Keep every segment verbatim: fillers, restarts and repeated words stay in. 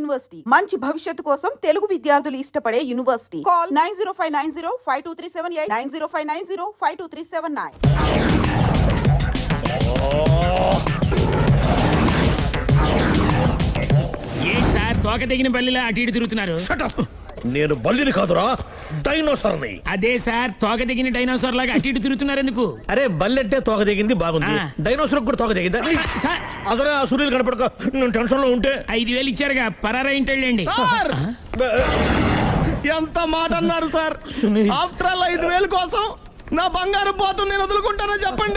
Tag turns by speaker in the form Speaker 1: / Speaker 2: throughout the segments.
Speaker 1: University మంచి భవిష్యత్తు కోసం తెలుగు విద్యార్థులు ఇష్టపడే university. Call nine zero five nine zero five two three seven eight nine zero five nine zero five two three seven nine.
Speaker 2: ఏం sir తోక తెగిన బల్లిలా అటు ఇటు తిరుగుతున్నారు?
Speaker 3: నేను బల్లిని కాదురా, డైనోసార్ని.
Speaker 2: అదే సార్ తోక తెగిన డైనోసార్ లాగా అటు ఇటు తిరుగుతున్నారు ఎందుకు?
Speaker 3: అరే బల్లెట్టే తోక దిగింది బాగుంది,
Speaker 2: ఆ.
Speaker 3: డైనోసార్ కూడా తోక దిగిందా?
Speaker 2: సార్
Speaker 3: అదరే ఆ సూర్యులు కనపడక నేను టెన్షన్ లో ఉంటే
Speaker 2: ఐదు వేలు ఇచ్చారుగా పరారా ఇంటండి.
Speaker 4: ఎంత మాట అన్నారు సార్? ఆఫ్టర్ ఆల్ ఐదు వేలు కోసం నా బంగారు పోతు నేను వదులుకుంటానో చెప్పండి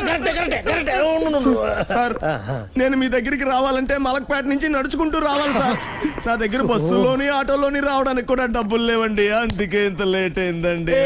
Speaker 4: సార్. నేను మీ దగ్గరికి రావాలంటే మలక్పేట నుంచి నడుచుకుంటూ రావాలి సార్. నా దగ్గర బస్సులోని ఆటోలోని రావడానికి కూడా డబ్బులు లేవండి, అందుకే ఇంత లేట్ అయిందండి.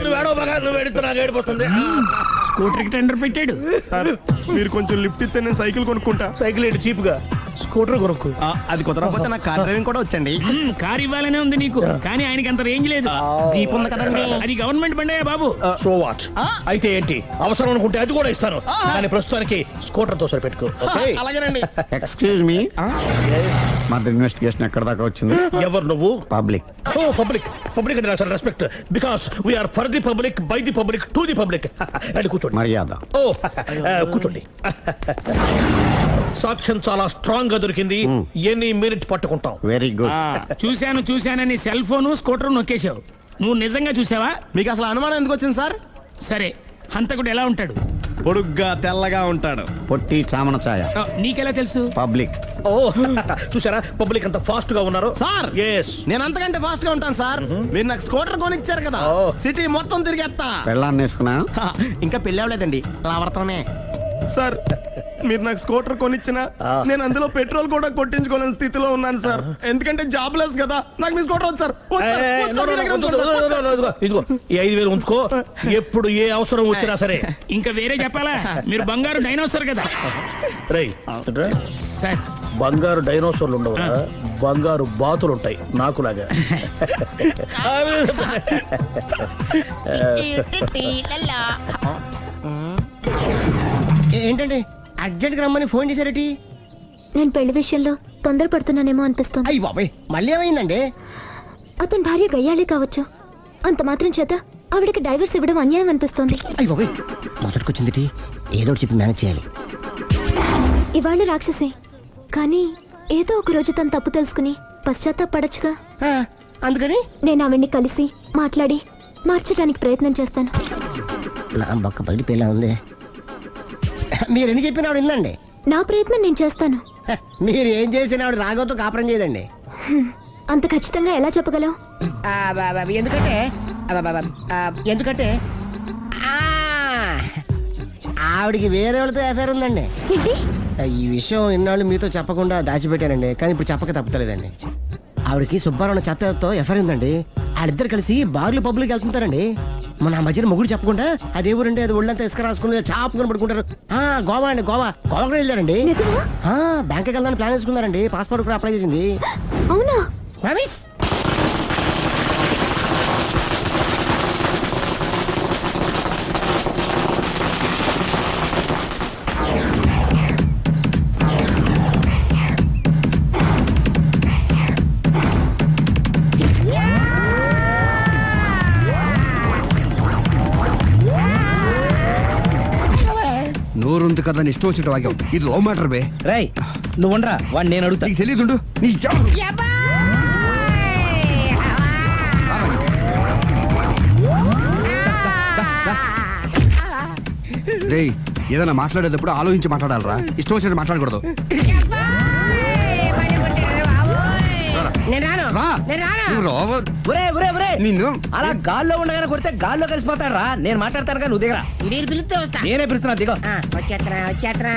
Speaker 2: స్కూటర్ కి టెండర్ పెట్టాడు
Speaker 4: సార్. మీరు కొంచెం లిఫ్ట్ ఇస్తే నేను సైకిల్ కొనుక్కుంటా.
Speaker 3: సైకిల్ ఏంటి చీప్ గా, స్కూటర్ కొనుక్కు.
Speaker 4: అది కుదరకపోతే నాకు కార్ డ్రైవింగ్ కూడా వచ్చండి.
Speaker 2: కార్ ఇవ్వాలనే ఉంది నీకు, కానీ ఆయనకి అంత రేంజ్ లేదు.
Speaker 4: జీప్ ఉంది కదండి.
Speaker 2: అది గవర్నమెంట్ బండే బాబు.
Speaker 3: So what? అయితే ఏంటి, అవసరం అనుకుంటే అది కూడా ఇస్తాను, కానీ ప్రస్తుతానికి స్కూటర్ తో సరిపెట్టుకో.
Speaker 4: అలాగేనండి.
Speaker 5: ఎక్స్క్యూజ్ మీ, మరి ఇన్వెస్టిగేషన్ ఎక్కడ దాకా వచ్చింది?
Speaker 3: ఎవరు నువ్వు?
Speaker 5: పబ్లిక్.
Speaker 3: ఓ పబ్లిక్. పబ్లిక్ అంటే నాకు respect, because we are for the public, by the public, to the public. అండి కూర్చోండి.
Speaker 5: మర్యాద.
Speaker 3: ఓ కూర్చోండి. సాక్ష్యం చాలా స్ట్రాంగ్ గా దొరికింది, ఎన్ని మినిట్ పట్టుకుంటాం.
Speaker 5: Very good.
Speaker 2: చూశాను చూశానని సెల్ ఫోన్ స్కూటర్ నొక్కేశావు. నువ్వు నిజంగా చూసావా?
Speaker 4: మీకు అసలు అనుమానం ఎందుకు వచ్చింది సార్?
Speaker 2: సరే, హంతకుడు ఎలా ఉంటాడు?
Speaker 4: పొడుగ్గా తెల్లగా ఉంటాడు.
Speaker 5: పొట్టి చామన ఛాయ.
Speaker 2: ఆ, నీకెలా తెలుసు?
Speaker 5: పబ్లిక్.
Speaker 3: ఓ చూసారా పబ్లిక్ అంత ఫాస్ట్ గా ఉన్నారు
Speaker 4: సార్.
Speaker 3: ఎస్,
Speaker 4: నేను అంతకంటే ఫాస్ట్ గా ఉంటాను సార్. మీరు నాకు స్కూటర్ కొనిచ్చారు కదా, సిటీ మొత్తం తిరిగేస్తా.
Speaker 5: పెళ్ళాన్ని వేసుకున్నా?
Speaker 4: ఇంకా పెళ్లి అవ్వలేదండి, లావర్తోనే. సార్ మీరు నాకు స్కూటర్ కొనిచ్చిన నేను అందులో పెట్రోల్ కూడా కొట్టించుకోలేని స్థితిలో ఉన్నాను సార్. ఎందుకంటే జాబ్ లెస్ కదా, నాకు మీ స్కూటర్ వద్దు సార్. వద్దు సార్, వద్దు సార్, మీ దగ్గర ఉంచుకోండి సార్, వద్దు సార్.
Speaker 3: ఇదిగో ఈ ఐదు వేలు ఉంచుకో, ఎప్పుడు ఏ అవసరం వచ్చినా సరే.
Speaker 2: ఇంకా వేరే చెప్పాలా? మీరు బంగారు డైనోసార్ కదా.
Speaker 3: రై
Speaker 2: సార్
Speaker 3: బంగారు డైనోసార్లు ఉండవు, బంగారు బాతులు ఉంటాయి నాకులాగా.
Speaker 4: ఏంటండి అర్జెంట్ గా రమ్మని ఫోన్ చేశారటి?
Speaker 6: నేను పెళ్లి విషయంలో తొందరపడుతున్నానేమో అనిపిస్తుంది.
Speaker 4: అయ్యి బాబాయ్, మళ్ళీ ఏమైందండి?
Speaker 6: అతని భార్య గయ్యాళే కావచ్చు, అంత మాత్రం చేత ఆవిడకి డైవర్స్ ఇవ్వడం అన్యాయం అనిపిస్తోంది.
Speaker 4: అయ్యి బాబాయ్, మొదటికొచ్చింది ఏదో చెప్పి మేనేజ్ చేయాలి.
Speaker 6: ఇవాళ రాక్షసే, కానీ ఏదో ఒక రోజు తను తప్పు తెలుసుకుని పశ్చాత్తాపడొచ్చుగా.
Speaker 4: అందుకని
Speaker 6: నేను ఆవిడ్ని కలిసి మాట్లాడి మార్చడానికి ప్రయత్నం చేస్తాను.
Speaker 4: నా బొక్క బయట పిల్ల ఉంది. మీరు ఎన్ని చెప్పిన ఆవిడ ఇందండి.
Speaker 6: నా ప్రయత్నం నేను చేస్తాను.
Speaker 4: మీరు ఏం చేసిన ఆవిడ రాగోతో కాపురం చేయదండి.
Speaker 6: అంత ఖచ్చితంగా ఎలా చెప్పగలవు?
Speaker 4: ఎందుకంటే ఎందుకంటే ఆవిడికి వేరే వాళ్ళతో ఎఫైర్ ఉందండి.
Speaker 6: ఏంటి?
Speaker 4: ఈ విషయం ఇన్నాళ్ళు మీతో చెప్పకుండా దాచిపెట్టానండి, కానీ ఇప్పుడు చెప్పక తప్పలేదండి. ఆవిడకి సుబ్బారావు చెత్తతో ఎఫైర్ ఉందండి. వాళ్ళిద్దరు కలిసి బార్లు పబ్లిక్ వెళ్తుంటారండి. మన ఆ మధ్యన మొగుడు చెప్పకుండా అదే ఊరండి, అది ఒళ్ళంతా ఇసుక రాసుకుని చాపుకొని పడుకుంటారు. ఆ గోవా అండి, గోవా గోవా కూడా వెళ్ళారండి. బ్యాంక్కి వెళ్దాని ప్లాన్ వేసుకున్నారండి, పాస్పోర్ట్ కూడా అప్లై చేసింది.
Speaker 6: అవునా?
Speaker 4: రమేష్
Speaker 5: నోరుంది కదా ఇష్టం వచ్చినట్టు వాక్యం. ఇది లవ్ మ్యాటర్ బే.
Speaker 2: రై నువ్వు ఉండరా, వాడు నేను అడుగుతా.
Speaker 5: నీకు తెలియదుండు నీ రే. ఏదైనా మాట్లాడేటప్పుడు ఆలోచించి మాట్లాడాలరా, ఇష్టం వచ్చినట్టు మాట్లాడకూడదు. నిన్ను
Speaker 2: అలా గాల్లో ఉండగానే కొడితే గాల్లో కలిసిపోతాడు రా. నేను మాట్లాడతాను కానీ నువ్వు దిగరా.
Speaker 4: మీరు పిలిస్తే వస్తా.
Speaker 2: నేనే పిలుస్తున్నా, దిగో.
Speaker 4: వచ్చేత్తరా వచ్చేత్తరా.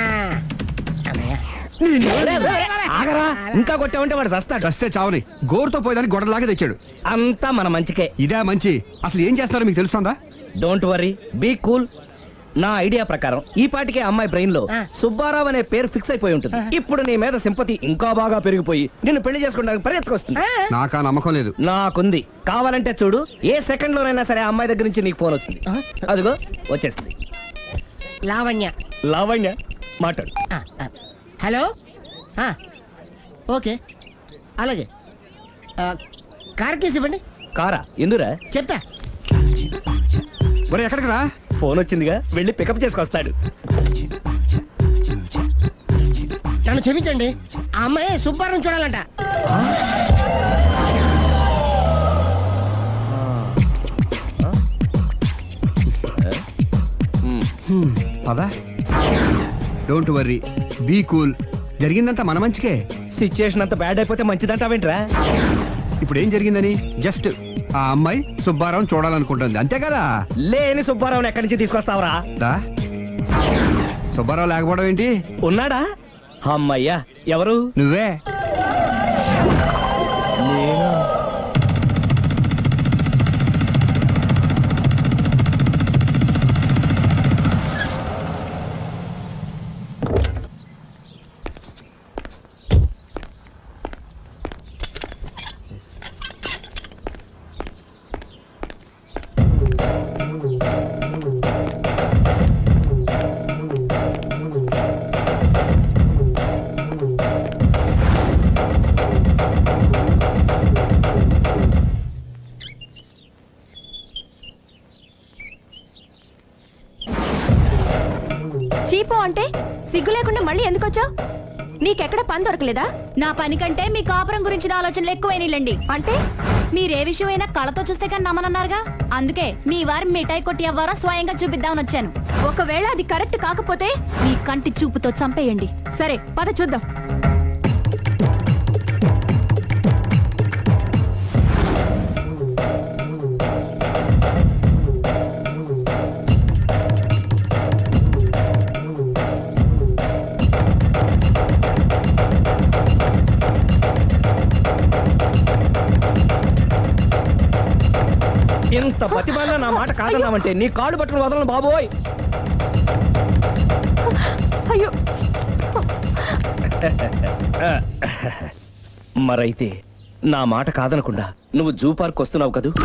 Speaker 2: ఆగరా, ఇంకా కొట్టామంటే వాడు చస్తాడు.
Speaker 5: చస్తే చావని గోరుతో పోయేదాన్ని గొడవలాగా తెచ్చాడు.
Speaker 2: అంతా మన మంచికే.
Speaker 5: ఇదే మంచి. అసలు ఏం చేస్తారో మీకు తెలుస్తుందా?
Speaker 2: Don't worry, be cool. నా ఐడియా ప్రకారం ఈ పాటికే అమ్మాయి బ్రెయిన్ లో సుబ్బారావు అనే పేరు ఫిక్స్ అయిపోయి ఉంటుంది. ఇప్పుడు నీ మీద సింపతి ఇంకా బాగా పెరిగిపోయి నిన్ను పెళ్లి చేసుకోవడానికి పరిగెత్తుకొస్తుంది.
Speaker 5: నాకా నమ్మకం లేదు.
Speaker 2: నాకుంది. కావాలంటే చూడు, ఏ సెకండ్ లోనైనా సరే అమ్మాయి దగ్గర నుంచి నీకు ఫోన్ వస్తుంది. అదిగో వచ్చేస్తుంది.
Speaker 4: లావణ్య.
Speaker 2: లావణ్య మాట్లాడు.
Speaker 4: హలో. ఓకే అలాగే ఆ, కార్ కేసు ఇవ్వండి.
Speaker 2: కారా ఎందురా?
Speaker 4: చెప్తా.
Speaker 5: ఒరే ఎక్కడికి రా?
Speaker 2: ఫోన్ వచ్చిందిగా, వెళ్ళి పికప్ చేసుకొస్తాడు.
Speaker 4: నన్ను క్షమించండి, ఆ అమ్మాయి సుబ్బారం చూడాలంట.
Speaker 5: పదా, డోంట్ వర్రీ, బీ కూల్. జరిగిందంతా మన మంచికే.
Speaker 2: సిచ్యుయేషన్ అంత బ్యాడ్ అయిపోతే మంచిదంటావేంట్రా?
Speaker 5: ఇప్పుడు ఏం జరిగిందని జస్ట్ ఆ అమ్మాయి సుబ్బారావు చూడాలనుకుంటుంది, అంతే కదా?
Speaker 2: లేని సుబ్బారావుని ఎక్కడి నుంచి తీసుకొస్తావరా?
Speaker 5: దా, సుబ్బారావు లేకపోవడం ఏంటి?
Speaker 2: ఉన్నాడా? అమ్మయ్యా, ఎవరు?
Speaker 5: నువ్వే.
Speaker 2: నేనా?
Speaker 7: చీపో అంటే సిగ్గు లేకుండా మళ్ళీ ఎందుకు వచ్చావు? నీకెక్కడ పని దొరకలేదా? నా పని కంటే మీ కాపురం గురించిన ఆలోచనలు ఎక్కువైనాయిలండి. అంటే మీరే విషయమైనా కళ్ళతో చూస్తే కానీ నమ్మనన్నారుగా, అందుకే మీ వారి మిఠాయి కొట్టి అవ్వారా స్వయంగా చూపిద్దామని వచ్చాను. ఒకవేళ అది కరెక్ట్ కాకపోతే మీ కంటి చూపుతో చంపేయండి. సరే పద చూద్దాం.
Speaker 2: ఇంత బతిమాలినా నా మాట కాదన్నామంటే నీ కాళ్ళు పట్టుకుని వదలను బాబోయ్.
Speaker 7: అయ్యో,
Speaker 2: మరైతే నా మాట కాదనకుండా నువ్వు జూ పార్క్ వస్తున్నావు కదూ?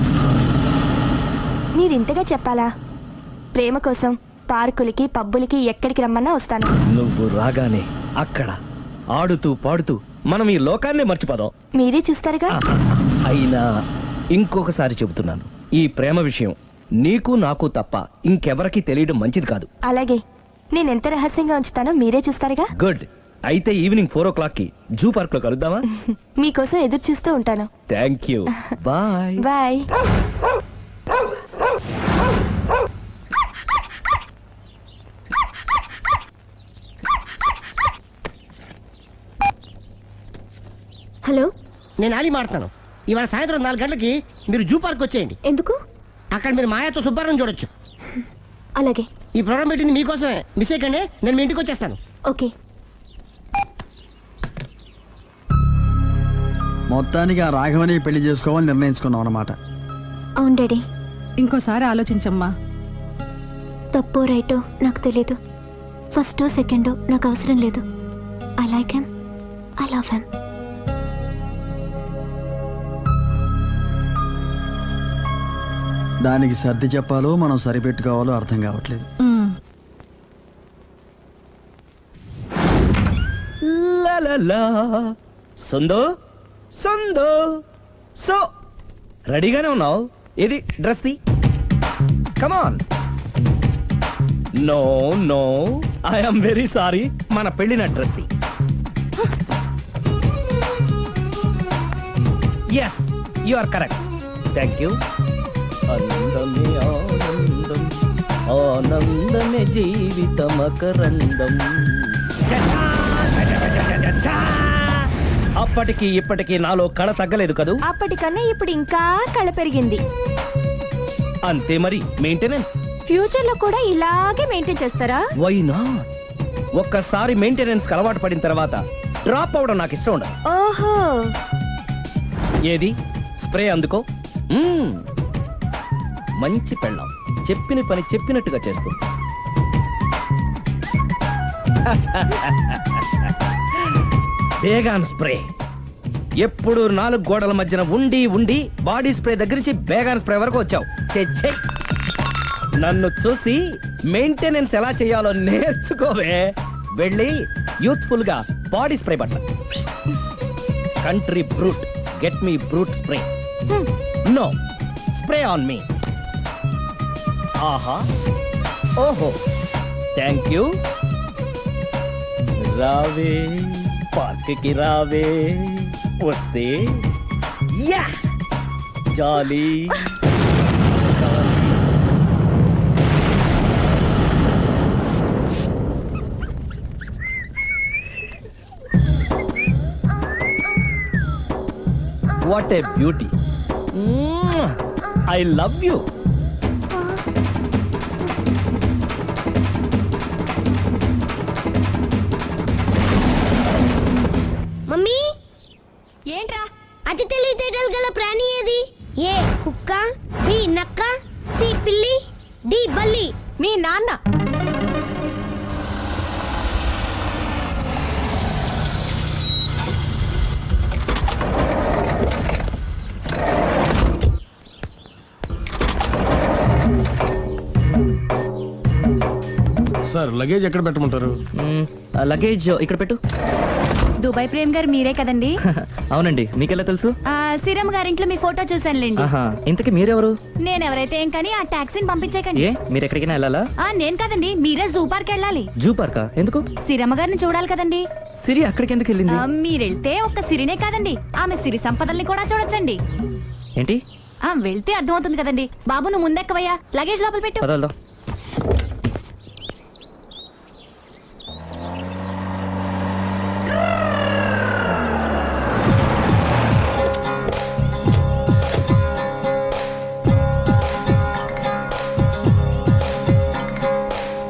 Speaker 6: మీరింతగా చెప్పాలా? ప్రేమ కోసం పార్కులకి పబ్బులకి ఎక్కడికి రమ్మన్నా వస్తాను.
Speaker 2: నువ్వు రాగానే అక్కడ ఆడుతూ పాడుతూ మనం ఈ లోకాన్ని మర్చిపోదాం.
Speaker 6: మీరే చూస్తారుగా.
Speaker 2: అయినా ఇంకొకసారి చెబుతున్నాను, ఈ ప్రేమ విషయం నీకు నాకు తప్ప ఇంకెవరికి తెలియడం మంచిది కాదు.
Speaker 6: అలాగే, నేను ఎంత రహస్యంగా ఉంచుతానో మీరే చూస్తారుగా.
Speaker 2: గుడ్. అయితే ఈవినింగ్ ఫోర్ ఓ క్లాక్ కి జూ పార్క్ లో కలుద్దామా?
Speaker 6: మీకోసం ఎదురు చూస్తూ ఉంటాను.
Speaker 2: Thank you. Bye
Speaker 6: bye. Hello,
Speaker 4: నేను ఆలి మాడుతున్నాను. ఇవాళ సాయంత్రం నాలుగు గంటలకి మీరు జూ పార్క్ వచ్చేయండి.
Speaker 6: ఎందుకు?
Speaker 4: అక్కడ మీరు మాయాతో సుబ్బారావు చూడొచ్చు.
Speaker 6: అలాగే.
Speaker 4: ఈ ప్రోగ్రామ్ పెట్టింది మీకోసమే, మిస్ అయ్యకండి. నేను మీ ఇంటికి వచ్చేస్తాను.
Speaker 6: ఓకే.
Speaker 8: మొత్తానికి ఆ రాఘవని పెళ్లి చేసుకోవాలని నిర్ణయించుకున్నాం అన్నమాట.
Speaker 6: అవును డాడీ.
Speaker 7: ఇంకోసారి ఆలోచించమ్మా.
Speaker 6: తప్పో రైటో నాకు తెలీదు. ఫస్టో సెకండో నాకు అవసరం లేదు. I like him, I love him.
Speaker 8: దానికి సర్ది చెప్పాలో మనం సరిపెట్టుకోవాలో అర్థం కావట్లేదు.
Speaker 2: లా లా లా. సందో సందో సో రెడీగానే ఉన్నావు? ఇది డ్రెస్ ది. Come on. No no, I'm very sorry. మన పెళ్లిన డ్రెస్ ది. Yes, you are correct. Thank you. ఆనందమే ఆనందం, ఆనందమే జీవితమకరందం. అప్పటికి ఇప్పటికి నాలో కళ తగ్గలేదు కదూ?
Speaker 6: అప్పటికన్నా ఇప్పుడు ఇంకా కళ పెరిగింది.
Speaker 2: అంతే మరి, మెయింటెనెన్స్.
Speaker 6: ఫ్యూచర్ లో కూడా ఇలాగే మెయింటైన్ చేస్తారా?
Speaker 2: Why not? ఒక్కసారి మెయింటెనెన్స్ అలవాటు పడిన తర్వాత డ్రాప్ అవడం నాకు ఇష్టం ఉండదు.
Speaker 6: ఓహో.
Speaker 2: ఏది స్ప్రే అందుకో. మ్మ్. మంచి పెళ్ళాం, చెప్పిన పని చెప్పినట్టుగా చేస్తూ. Baygon spray. ఎప్పుడు నాలుగు గోడల మధ్యన ఉండి ఉండి బాడీ స్ప్రే దగ్గర నుంచి బేగాన్ స్ప్రే వరకు వచ్చావు. ఛే, ఛే. నన్ను చూసి మెయింటెనెన్స్ ఎలా చేయాలో నేర్చుకోవే. వెళ్ళి యూత్ఫుల్ గా బాడీ స్ప్రే పట్ల. Country Brut get me Brut spray no spray on me ఆహా ఓహో థ్యాంక్ యూ రావే పార్క్ కి రావే వస్తే యా jolly what a beauty I love you
Speaker 9: mummy
Speaker 7: ఏంట్రా
Speaker 9: అతి తెలివితేటలు గల ప్రాణి ఏది? ఏ కుక్క, బి నక్క, సి పిల్లి, డి బల్లి.
Speaker 7: మీ నాన్న.
Speaker 3: సార్ లగేజ్ ఎక్కడ పెట్టమంటారు?
Speaker 2: లగేజ్ ఇక్కడ పెట్టు.
Speaker 7: దుబాయ్ ప్రేమ్ గారు మీరే కదండి?
Speaker 2: అవునండి, మీకెలా తెలుసు?
Speaker 7: ఆ, సిరమ్ గారింట్లో మీ ఫోటో చూసానులేండి.
Speaker 2: ఆహా, ఇంతకీ మీరెవరు?
Speaker 7: నేను ఎవరైతే ఏం కానీ ఆ టాక్సీని పంపించేకండి.
Speaker 2: ఏ మీరు ఎక్కడికైనా వెళ్ళాలా?
Speaker 7: ఆ, నేను కదండి, మీరే జూ పార్క్ వెళ్ళాలి.
Speaker 2: జూ పార్కా? ఎందుకు?
Speaker 7: సిరమ్మ గారిని చూడాలి కదండి.
Speaker 2: సిరి అక్కడికి ఎందుకు వెళ్ళింది?
Speaker 7: ఆ, మీరెళ్తే ఒక్క సిరినే కాదండి, ఆమె సిరి సంపదల్ని కూడా చూడొచ్చండి.
Speaker 2: ఏంటి?
Speaker 7: ఆ, వెళ్తే అర్థమవుతుంది కదండి. బాబు నువ్వు ముందెక్కవయ్యా, లగేజ్ లోపల పెట్టు.
Speaker 2: పదవల్దాం.